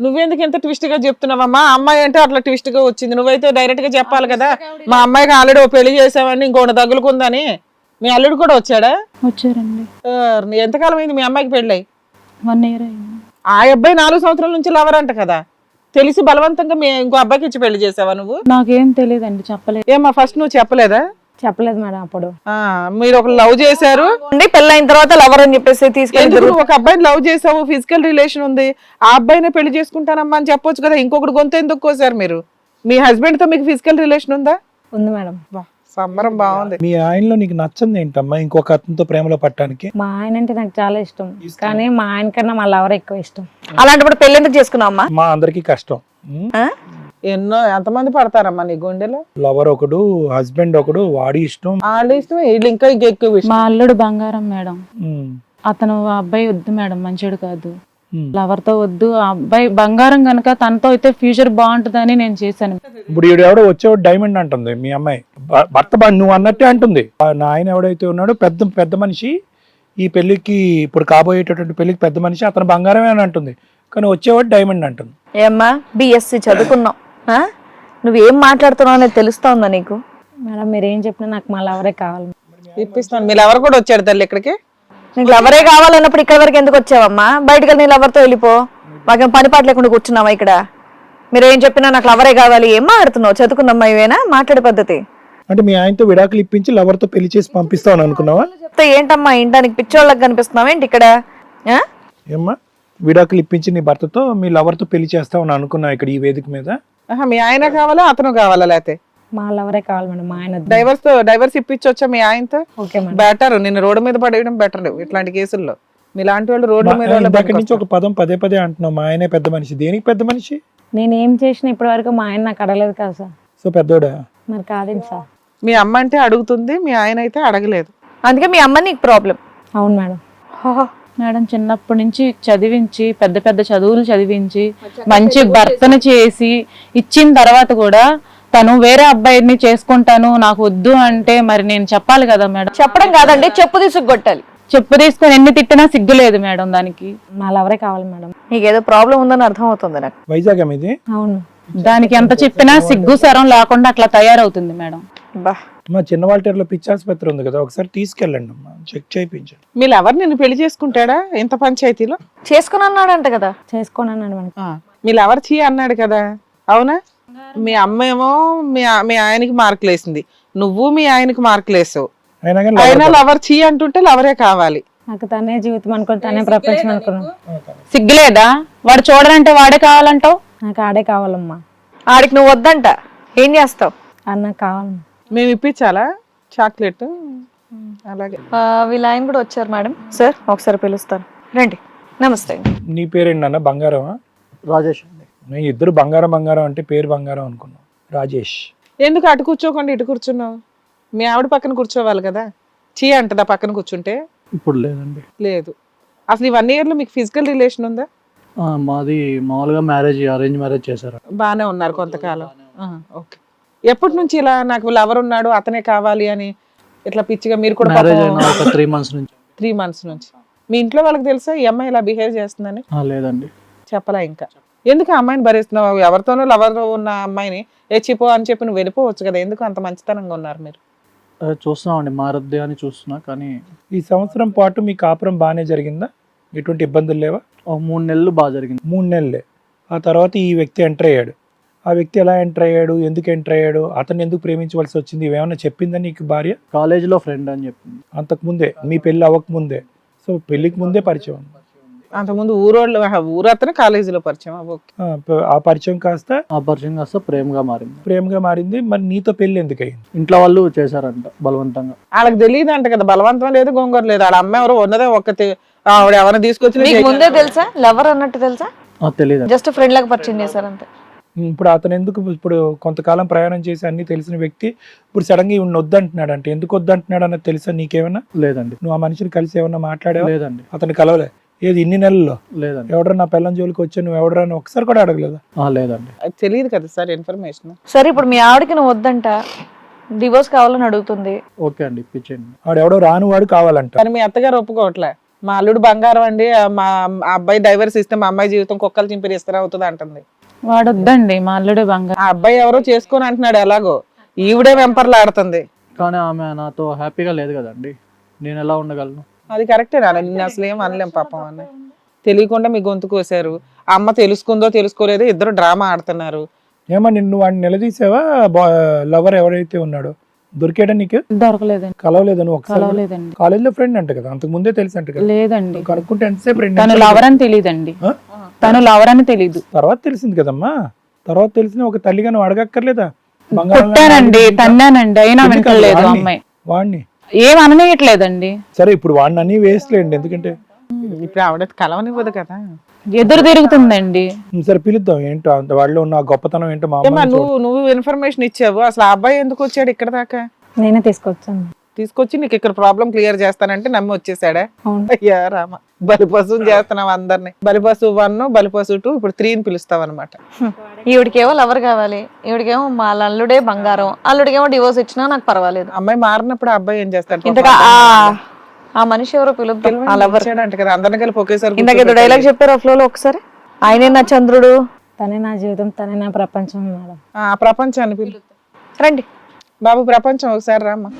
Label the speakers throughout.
Speaker 1: నువ్వెందుకు ఎంత ట్విస్ట్ గా చెప్తున్నావమ్మా? అమ్మాయి అంటే అట్లా ట్విస్ట్ గా వచ్చింది, నువ్వైతే డైరెక్ట్ గా చెప్పాలి కదా. మా అమ్మాయికి ఆల్రెడీ పెళ్లి చేసావని ఇంకోటి తగులుకుందని. మీ అల్లుడు కూడా వచ్చాడా?
Speaker 2: వచ్చారండి.
Speaker 1: ఎంతకాలం అయింది మీ అమ్మాయికి పెళ్ళి?
Speaker 2: 1 year అయింది.
Speaker 1: ఆ అబ్బాయి 4 సంవత్సరాల నుంచి లవర్ అంట కదా. తెలిసి బలవంతంగా ఇంకో అబ్బాయికి ఇచ్చి పెళ్లి చేసావా నువ్వు?
Speaker 2: నాకేం తెలియదండి, చెప్పలేదు.
Speaker 1: ఏమా ఫస్ట్ నువ్వు చెప్పలేదా?
Speaker 2: చెప్పలేదు మేడం. అప్పుడు
Speaker 1: మీరు ఒక లవ్ చేశారు,
Speaker 3: పెళ్ళైన తర్వాత లవర్ అని చెప్పేసి తీసుకెళ్ళి
Speaker 1: ఒక అబ్బాయిని లవ్ చేసావు, ఫిజికల్ రిలేషన్ ఉంది, ఆ అబ్బాయినే పెళ్లి చేసుకుంటానమ్మా అని చెప్పొచ్చు కదా. ఇంకొకటి గొంతు ఎందుకు కోసారు మీరు? మీ హస్బెండ్ తో మీకు ఫిజికల్ రిలేషన్ ఉందా?
Speaker 2: ఉంది మేడం.
Speaker 1: సంబరం బాగుంది.
Speaker 4: మీ ఆయనలో నీకు నచ్చంది ఏంటమ్మా ఇంకొక అతనితో ప్రేమలో పట్టడానికి?
Speaker 2: మా ఆయన అంటే నాకు చాలా ఇష్టం, కానీ మా ఆయన కన్నా మా లవర్ ఎక్కువ ఇష్టం.
Speaker 3: అలాంటప్పుడు పెళ్లి ఎందుకు చేసుకున్నావమ్మా?
Speaker 4: మా అందరికి కష్టం.
Speaker 1: ఎంతమంది పడతారమ్మా నీ గుండెలో?
Speaker 4: లవర్ ఒకడు, హస్బెండ్ ఒకడు, వాడి ఇష్టం,
Speaker 1: వాళ్ళ ఇష్టం, వీళ్ళు ఇంకా ఎక్కువ ఇష్టం.
Speaker 2: మా అల్లుడు బంగారం మేడం. అతను ఆ అబ్బాయి వద్దు మేడం, మంచిడు కాదు, లవర్ తో వద్దు. ఆ అబ్బాయి బంగారం కనుక తనతో అయితే ఫ్యూచర్ బాగుంటుందని నేను చేశాను.
Speaker 4: ఇప్పుడు ఈడు ఎవడో వచ్చేవాడు డైమండ్ అంటుంది మీ అమ్మాయి. భర్త నువ్వు అన్నట్టే అంటుంది. నా ఆయన ఎవడైతే ఉన్నాడో పెద్ద మనిషి, ఈ పెళ్లికి ఇప్పుడు కాబోయేటటువంటి పెళ్లికి పెద్ద మనిషి, అతను బంగారమే అని అంటుంది, కానీ వచ్చేవాడు డైమండ్ అంటుంది.
Speaker 3: ఏమ్మా బిఎస్సి చదువుకున్నావు, నువ్వేం మాట్లాడుతున్నావు అనేది తెలుస్తోందా నీకు?
Speaker 2: మేడం మీరేం చెప్పినా నాకు మా లవరే కావాలి.
Speaker 1: ఇప్పిస్తాను. మీ లవర్ కూడా వచ్చాడు తల్లి ఇక్కడికి.
Speaker 3: నీకు లవరే కావాలన్నప్పుడు ఇక్కడ వరకు ఎందుకు వచ్చావమ్మా? బయటకు వెళ్ళి నీ లవర్తో వెళ్ళిపో. మాకేం పని పాట లేకుండా కూర్చున్నావా ఇక్కడ? మీరు ఏం చెప్పినా నాకు లవరే కావాలి. ఏం మాట్లాడుతున్నావు? చదువుకున్నమ్మా ఇవేనా మాట్లాడే పద్ధతి?
Speaker 4: అంటే మీ ఆయనతో విడాకులు ఇప్పించి లవర్ తో పెళ్లి చేసి పంపిస్తావు అనుకున్నావా?
Speaker 3: చెప్తే ఏంటమ్మా ఇంటానికి పిచ్చోళ్ళకి కనిపిస్తున్నావా ఏంటి ఇక్కడ?
Speaker 4: ఏమ్మా విడాకులు ఇప్పించి నీ భర్తతో మీ లవర్ తో పెళ్లి చేస్తావు అనుకున్నావు ఇక్కడ ఈ వేదిక మీద?
Speaker 1: మీ ఆయన కావాలా అతను కావాలా? లేకపోతే
Speaker 2: మా లవరే కావాలి మేడం. మా ఆయన
Speaker 1: డైవర్స్ ఇప్పించొచ్చా మీ ఆయనతో?
Speaker 2: Okay madam.
Speaker 1: బెటర్. నిన్ను రోడ్డు మీద పడేయడం బెటర్ ఇట్లాంటి కేసుల్లో. మీలాంటి వాళ్ళు రోడ్ల మీద
Speaker 4: దగ్గర నుంచి ఒక పదం పదే అంటున్నావు, మా ఆయనే పెద్ద మనిషి. దేనికి పెద్ద మనిషి?
Speaker 2: నేను ఏం చేసిన ఇప్పటి వరకు మా ఆయన నాకు అడగలేదు కదా సార్.
Speaker 4: సో పెద్దోడా?
Speaker 2: మరి కాదేంటి సార్?
Speaker 1: మీ అమ్మ అంటే అడుగుతుంది, మీ ఆయన అయితే అడగలేదు.
Speaker 3: అందుకే మీ అమ్మ నీకు ప్రాబ్లం.
Speaker 2: అవును మేడం. మేడం చిన్నప్పటి నుంచి చదివించి పెద్ద చదువులు చదివించి మంచి భర్తను చేసి ఇచ్చిన తర్వాత కూడా తను వేరే అబ్బాయిని చేసుకుంటాను నాకు వద్దు అంటే మరి నేను చెప్పాలి కదా మేడం.
Speaker 3: చెప్పడం కాదండి, చెప్పు తీసుకొట్టాలి.
Speaker 2: చెప్పు తీసుకొని ఎన్ని తిట్టినా సిగ్గు లేదు మేడం దానికి. మా లవరే కావాలి మేడం.
Speaker 3: నీకేదో ప్రాబ్లం ఉందని అర్థం అవుతుంది నాకు.
Speaker 4: వైజాగ్ మీది?
Speaker 2: అవును. దానికి ఎంత చెప్పినా సిగ్గు సరం లేకుండా అట్లా తయారవుతుంది మేడం.
Speaker 3: బా
Speaker 4: మా చిన్నవాళ్ళలో పిచ్చి ఆసుపత్రి ఉంది కదా, ఒకసారి తీసుకెళ్ళండి అమ్మా, చెక్ చేయించండి.
Speaker 1: మీ లవర్ నిన్ను పెళ్లి చేసుకుంటాడా ఇంత పంచాయతీలో?
Speaker 3: చేసుకుని అన్నాడంట కదా.
Speaker 2: చేసుకోనన్నాడు మేడం.
Speaker 1: మీ లవర్ చీ అన్నాడు కదా, అవునా? మీ అమ్మ ఏమో మీ ఆయనకి మార్కులు వేసింది, నువ్వు మీ ఆయనకి మార్కులు వేసావు. అయినా లవర్ చీ అంటుంటే లవరే కావాలి.
Speaker 2: నాకు తనే జీవితం అనుకుని తనే ప్రపంచం అనుకున్నాను. సిగ్గులేదా? వాడు చూడాలంటే వాడే కావాలంటావు? నాకు ఆడే కావాలమ్మా.
Speaker 3: ఆడికి నువ్వు వద్దంట ఏం చేస్తావు?
Speaker 2: అన్న కావాలి.
Speaker 1: మేము ఇప్పించాలా చాక్లెట్? అలాగే.
Speaker 3: వీళ్ళ ఆయన కూడా వచ్చారు మేడం. సార్ ఒకసారి పిలుస్తారు, రండి. నమస్తే.
Speaker 4: నీ పేరేంటి అన్న? బంగారమా?
Speaker 5: రాజేష్ అండి.
Speaker 4: నేను ఇద్దరు బంగారం అంటే పేరు బంగారం అనుకున్నాను. రాజేష్.
Speaker 1: ఎందుకు అటు కూర్చోకుండా ఇటు కూర్చున్నావు? మీ ఆవిడ పక్కన కూర్చోవాలి కదా. చీ అంటదా పక్కన కూర్చుంటే?
Speaker 5: ఇప్పుడు లేదండి.
Speaker 1: లేదు. అసలు ఈ 1 year లో మీకు ఫిజికల్ రిలేషన్ ఉందా?
Speaker 5: మాది మామూలుగా అరేంజ్ మ్యారేజ్ చేశారు.
Speaker 1: బానే ఉన్నారు కొంతకాలం. ఓకే. ఎప్పటి నుంచి ఇలా నాకు లవర్ ఉన్నాడు అతనే కావాలి అని ఇట్లా పిచ్చిగా మీరు కూడా?
Speaker 5: మ్యారేజ్ అయిన ఒక 3 months నుంచి.
Speaker 1: 3 months నుంచి. మీ ఇంట్లో వాళ్ళకి తెలుసా ఈ అమ్మాయి ఇలా బిహేవ్ చేస్తుందని?
Speaker 5: లేదండి.
Speaker 1: చెప్పలా ఇంకా? ఎందుకు ఆ అమ్మాయిని భరిస్తున్నావు? ఎవరితోనో లవర్ ఉన్న అమ్మాయిని ఎచ్చిపో అని చెప్పి నువ్వు వెళ్ళిపోవచ్చు కదా. ఎందుకు అంత మంచితనంగా ఉన్నారు మీరు?
Speaker 5: చూస్తున్నామండి, మారద్దే అని చూస్తున్నా. కానీ
Speaker 4: ఈ సంవత్సరం పాటు మీ కాపురం బాగానే జరిగిందా? ఎటువంటి ఇబ్బందులు లేవా?
Speaker 5: 3 నెలలు బాగా జరిగింది.
Speaker 4: 3 నెలలే. ఆ తర్వాత ఈ వ్యక్తి ఎంటర్ అయ్యాడు. ఆ వ్యక్తి ఎలా ఎంటర్ అయ్యాడు, ఎందుకు ఎంటర్ అయ్యాడు, అతను ఎందుకు ప్రేమించవలసి వచ్చింది, ఇవేమన్నా చెప్పిందా నీకు భార్య?
Speaker 5: కాలేజీలో ఫ్రెండ్ అని చెప్పింది.
Speaker 4: అంతకుముందే, మీ పెళ్ళి అవ్వకముందే? సో పెళ్లికి ముందే పరిచయం?
Speaker 1: అంతకుముందు ఊరతను కాలేజీలో పరిచయం?
Speaker 4: ఆ పరిచయం కాస్త
Speaker 5: ప్రేమగా మారింది.
Speaker 4: మరి నీతో పెళ్లి ఎందుకు అయింది?
Speaker 5: ఇంట్లో వాళ్ళు చేశారంట బలవంతంగా.
Speaker 1: వాళ్ళకి తెలియదు అంట కదా, బలవంతం లేదు గొంగర లేదు. వాళ్ళ అమ్మ ఎవరు ఉన్నదే ఒక్కతే, ఆవిడ ఎవరైనా తీసుకొచ్చి.
Speaker 3: ముందే తెలుసా లవర్ అన్నట్టు? తెలుసా?
Speaker 5: తెలియదు.
Speaker 3: జస్ట్ ఫ్రెండ్ లాగా పరిచయం చేశారంతే.
Speaker 4: ఇప్పుడు అతను ఎందుకు ఇప్పుడు కొంతకాలం ప్రయాణం చేసి అన్ని తెలిసిన వ్యక్తి ఇప్పుడు సడన్ గా ఇవ్వను వద్దంటున్నాడు అంటే ఎందుకు వద్దంటున్నాడు అన్నది తెలుసా నీకేమన్నా?
Speaker 5: లేదండి.
Speaker 4: నువ్వు ఆ మనిషిని కలిసి ఏమన్నా మాట్లాడావా?
Speaker 5: లేదండి.
Speaker 4: అతను కలవలే? ఏది ఇన్ని నెలల్లో?
Speaker 5: లేదండి.
Speaker 4: ఎవడరా నా పిల్లని జోలికి వచ్చా, నువ్వు ఎవడరా అని ఒకసారి కూడా అడగలేదా?
Speaker 5: లేదండి.
Speaker 1: తెలియదు కదా సార్ ఇన్ఫర్మేషన్.
Speaker 3: సరే ఇప్పుడు మీ ఆవిడకి నువ్వు వద్దంట, డివోర్స్ కావాలని అడుగుతుంది.
Speaker 5: ఓకే అండి, ఇప్పించండి.
Speaker 4: వాడు ఎవడో రాను వాడు కావాలంట.
Speaker 1: కానీ మీ అత్తగారు ఒప్పుకోవట్లే. మా అల్లుడు బంగారం అండి, మా అబ్బాయి డైవర్స్ ఇస్తే మా అమ్మాయి జీవితం కుక్కలు చింపిరి ఇస్తారు అవుతుంది అంటుంది.
Speaker 2: వాడొద్దండి మా అల్లుడే బంగారం.
Speaker 1: ఆ అబ్బాయి ఎవరో చేసుకొని అంటున్నాడు, ఎలాగో ఈవిడే వెంపర్లాడుతుంది.
Speaker 5: కానీ ఆమె నాతో హ్యాపీగా లేదు కదండి, నేను ఎలా ఉండగలను?
Speaker 1: అది కరెక్టే నాన్న, నిన్ను అసలు ఏం అనలేం పాపం అన్న. తెలియకుండా మీ గొంతు కోసారు, అమ్మ తెలుసుకుందో తెలుసుకోలేదో ఇద్దరు డ్రామా ఆడుతున్నారు.
Speaker 4: ఏమో నిన్ను వాడిని నిలదీసావా? లవర్ ఎవరైతే ఉన్నాడో దొరికాడా నీకు?
Speaker 2: దొరకలేదండి.
Speaker 4: కలవలేదు నువ్వు ఒకసారి?
Speaker 2: కలవలేదండి.
Speaker 4: కాలేజ్ లో ఫ్రెండ్ అంట కదా, అంతకు ముందే తెలుసు అంట కదా?
Speaker 2: లేదండి.
Speaker 4: కనుక్కుంటే ఎంతసేపు ఫ్రెండ్?
Speaker 2: తను లవర్ అని తెలియదండి. తను లవర్ అని తెలీదు.
Speaker 4: తర్వాత తెలిసింది కదమ్మా, తర్వాత తెలిసిన ఒక తల్లిగా నువ్వు అడగక్కర్లేదా?
Speaker 2: కొట్టానండి, తన్నానండి, అయినా వింటలేదు అమ్మాయి.
Speaker 4: వాడిని
Speaker 2: ఏం అననీయట్లేదండి.
Speaker 4: సరే ఇప్పుడు వాడిని అన్ని వేస్ట్లేండి, ఎందుకంటే
Speaker 1: ఇప్పుడు ఆవిడ కలవనివ్వదు కదా,
Speaker 2: ఎదురు తిరుగుతుందండి.
Speaker 4: సరే పిలుద్దాం, ఏంటో వాళ్ళలో ఉన్న గొప్పతనం ఏంటో. మా
Speaker 1: ఏమ్మా, నువ్వు ఇన్ఫర్మేషన్ ఇచ్చావు, అసలు ఆ అబ్బాయి ఎందుకు వచ్చాడు ఇక్కడ దాకా?
Speaker 6: నేనే తీసుకొచ్చాను.
Speaker 1: తీసుకొచ్చి నీకు ఇక్కడ ప్రాబ్లం క్లియర్ చేస్తానంటే నమ్మి వచ్చేసాడా?
Speaker 6: అవును.
Speaker 1: అయ్యా రామ, బలిపశువుని చేస్తున్నావు అందరినీ. బలిపశువు 1, బలిపశువు 2, ఇప్పుడు 3 పిలుస్తావు అనమాట.
Speaker 3: ఈవిడికేమో లవర్ కావాలి, ఈవిడికేమో మా అల్లుడే బంగారం, అల్లుడికేమో డివోర్స్ ఇచ్చినా నాకు పర్వాలేదు.
Speaker 1: అమ్మాయి మారినప్పుడు ఆ అబ్బాయి ఏం చేస్తాడు?
Speaker 3: ఇంతగా ఆ మనిషి ఎవరో పిలుద్దాం. ఆ లవర్
Speaker 1: అంట కదా, అందరిని కలిపి ఒకేసారి
Speaker 3: ఇందాక ఏదో డైలాగ్ చెప్పారు ఆ ఫ్లోలో ఒకసారి. ఆయనే నా చంద్రుడు,
Speaker 6: తనే నా జీవితం, తనే నా ప్రపంచం మేడం.
Speaker 1: ఆ ప్రపంచాన్ని పిలు.
Speaker 3: రండి
Speaker 1: బాబు ప్రపంచం ఒకసారి రామ్మా.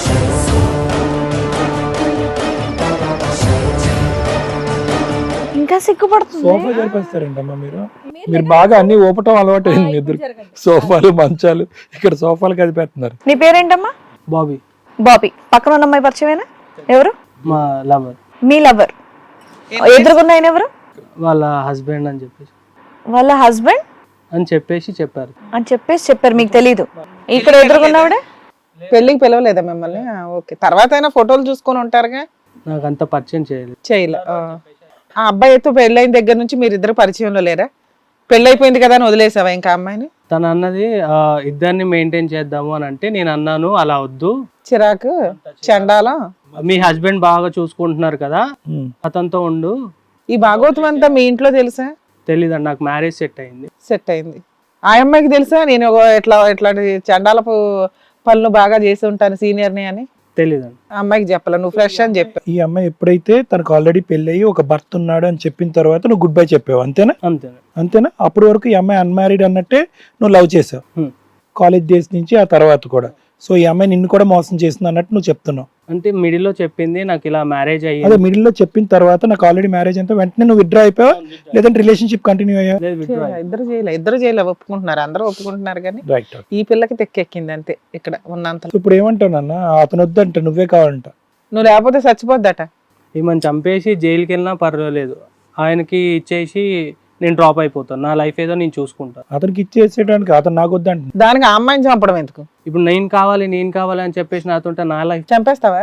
Speaker 3: ఇంకా సిగ్గుపడుతుంది.
Speaker 4: సోఫా జరిపేస్తారేంటమ్మా మీరు? మీరు బాగా అన్ని ఊపటం అలవాటు అయింది మీ ఇద్దరు. సోఫాలు మంచాలు ఇక్కడ సోఫాలు కదిపేస్తున్నారు.
Speaker 3: నీ పేరేంటమ్మా?
Speaker 5: బాబీ.
Speaker 3: బాబీ. పక్కన ఉన్న అమ్మాయి పరిచయమేనా? ఎవరు?
Speaker 5: మా లవర్.
Speaker 3: మీ లవర్. ఎదురుగున్న ఆయన ఎవరు?
Speaker 5: వాళ్ళ హస్బెండ్ అని చెప్పేసి.
Speaker 3: వాళ్ళ హస్బెండ్
Speaker 5: అని చెప్పేసి చెప్పారు.
Speaker 3: చెప్పారు, మీకు తెలీదు. ఇక్కడ ఎదురుగున్నావిడ
Speaker 1: పెళ్లికి పిలవలేదా మిమ్మల్ని? ఓకే, తర్వాత అయినా ఫోటోలు చూసుకొని ఉంటారుగా.
Speaker 5: నాకు అంత పరిచయం చేయలేదు.
Speaker 1: చేయలే. ఆ అబ్బాయితో పెళ్ళైన దగ్గర నుంచి మీరు ఇద్దరు పరిచయంలో లేరా? పెళ్ళైపోయింది కదా అని వదిలేసావా ఇంకా అమ్మాయిని?
Speaker 5: తను అన్నది ఇద్దరిని మెయింటైన్ చేద్దాము అని అంటే నేను అన్నాను అలా వద్దు,
Speaker 1: చిరాకు, చండాలం.
Speaker 5: మీ హస్బెండ్ బాగా చూసుకుంటున్నారు కదా అతనితో ఉండు.
Speaker 1: ఈ భాగవతం అంతా మీ ఇంట్లో తెలుసా?
Speaker 5: తెలీదండి, నాకు మ్యారేజ్ సెట్ అయింది.
Speaker 1: సెట్ అయింది. ఆ అమ్మాయికి తెలుసా నేను ఇట్లాంటి చండాలపు పనులు బాగా చేసి ఉంటాను సీనియర్ని అని?
Speaker 5: తెలీదండి.
Speaker 1: ఆ అమ్మాయికి చెప్పాల, నువ్వు ఫ్రెష్ అని చెప్పా.
Speaker 4: ఈ అమ్మాయి ఎప్పుడైతే తనకు ఆల్రెడీ పెళ్ళయి ఒక భర్త ఉన్నాడు అని చెప్పిన తర్వాత నువ్వు గుడ్ బై చెప్పావు, అంతేనా? అంతేనా? అప్పటి వరకు ఈ అమ్మాయి అన్మ్యారీడ్ అన్నట్టే నువ్వు లవ్ చేసావు కాలేజ్ డేస్ నుంచి, ఆ తర్వాత కూడా. సో ఈ అమ్మాయి నిన్ను కూడా మోసం చేసింది అన్నట్టు నువ్వు చెప్తున్నావు.
Speaker 5: అంటే మిడిల్ లో చెప్పింది నాకు ఇలా మ్యారేజ్ అయ్యింది.
Speaker 4: అదే మిడిల్ లో చెప్పిన తర్వాత నాకు ఆల్రెడీ మ్యారేజ్ అంతా వెంటనే నువ్వు విత్డ్రా అయిపోయావా, లేదంటే రిలేషన్షిప్ కంటిన్యూ అయ్యా?
Speaker 1: ఇద్దరు చేయలే ఒప్పుకుంటున్నారు, అందరూ ఒప్పుకుంటున్నారు కానీ
Speaker 4: రైట్.
Speaker 1: ఈ పిల్లకి తెక్కెక్కింది అంతే ఇక్కడ ఉన్నంత.
Speaker 4: ఇప్పుడు ఏమంటావు నాన్న? అతను వద్దంట, నువ్వే కావాలంట.
Speaker 1: నువ్వు లేకపోతే చచ్చిపోద్దట.
Speaker 5: ఈమెను చంపేసి జైలుకి వెళ్ళినా పర్వాలేదు, ఆయనకి ఇచ్చేసి నేను డ్రాప్ అయిపోతాను, నా లైఫ్ ఏదో నేను చూసుకుంటాను.
Speaker 4: అతనికి ఇచ్చేసేయడానికి అతను నాకు వద్దంట.
Speaker 1: దానికి ఆ అమ్మాయిని చంపడం ఎందుకు?
Speaker 5: ఇప్పుడు నేను కావాలి అని చెప్పేసి నాతో నా లైఫ్
Speaker 1: చంపేస్తావా?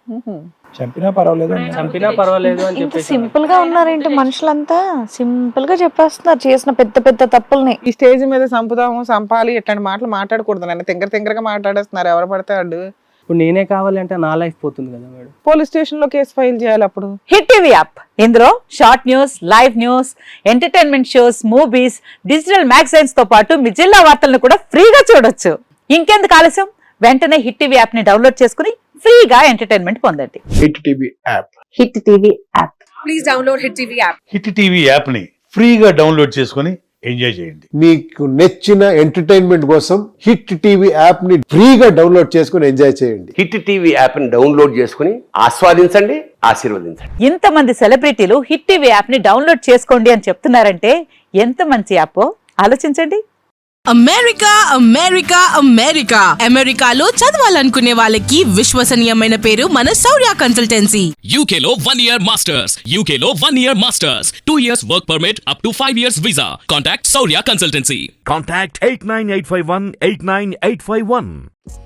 Speaker 4: చంపినా పర్వాలేదు,
Speaker 5: చంపినా పర్వాలేదు అని
Speaker 3: ఇంత
Speaker 5: చెప్పేసి.
Speaker 3: సింపుల్ గా ఉన్నారేంటి మనుషులంతా? సింపుల్ గా చెప్పేస్తున్నారు చేసిన పెద్ద పెద్ద తప్పుల్ని.
Speaker 1: ఈ స్టేజ్ మీద చంపుదాము, చంపాలి ఇట్లాంటి మాటలు మాట్లాడకూడదు. నన్ను తింగరగా మాట్లాడేస్తున్నారు ఎవరు పడతాడు.
Speaker 5: ఇప్పుడు నేనే కావాలి అంటే నా లైఫ్ పోతుంది కదా మేడం.
Speaker 1: పోలీస్ స్టేషన్ లో కేసు ఫైల్ చేయాలి అప్పుడు.
Speaker 7: హిట్ టీవీ యాప్, ఇందులో short news, live news, entertainment shows, movies, digital magazines తో పాటు మీ జిల్లా వార్తలను కూడా ఫ్రీగా చూడొచ్చు. ఇంకెందుకు ఆలస్యం, వెంటనే హిట్ టీవీ యాప్ ని డౌన్లోడ్ చేసుకుని ఫ్రీగా ఎంటర్టైన్మెంట్ పొందండి.
Speaker 8: Hit TV app.
Speaker 7: Hit TV app.
Speaker 9: Please download hit TV app.
Speaker 8: Hit TV app ని ఫ్రీగా డౌన్లోడ్ చేసుకొని ఎంజాయ్ చేయండి.
Speaker 10: మీకు నచ్చిన ఎంటర్టైన్మెంట్ కోసం హిట్ టీవీ యాప్ ని ఫ్రీగా డౌన్లోడ్ చేసుకుని ఎంజాయ్ చేయండి.
Speaker 11: హిట్ టీవీ యాప్ ని డౌన్లోడ్ చేసుకుని ఆస్వాదించండి, ఆశీర్వదించండి.
Speaker 7: ఇంతమంది సెలబ్రిటీలు హిట్ టీవీ యాప్ ని డౌన్లోడ్ చేసుకోండి అని చెప్తున్నారంటే ఎంత మంచి యాప్ ఆలోచించండి.
Speaker 9: అమెరికా అమెరికా అమెరికా అమెరికాలో చదవాలనుకునే వాళ్ళకి విశ్వసనీయమైన పేరు మన శౌర్య కన్సల్టెన్సీ.
Speaker 12: UK లో 1 year masters, UK లో 1 year masters, 2 years work permit up to 5 years visa. Contact Saurya Consultancy.
Speaker 13: Contact 89851 89851.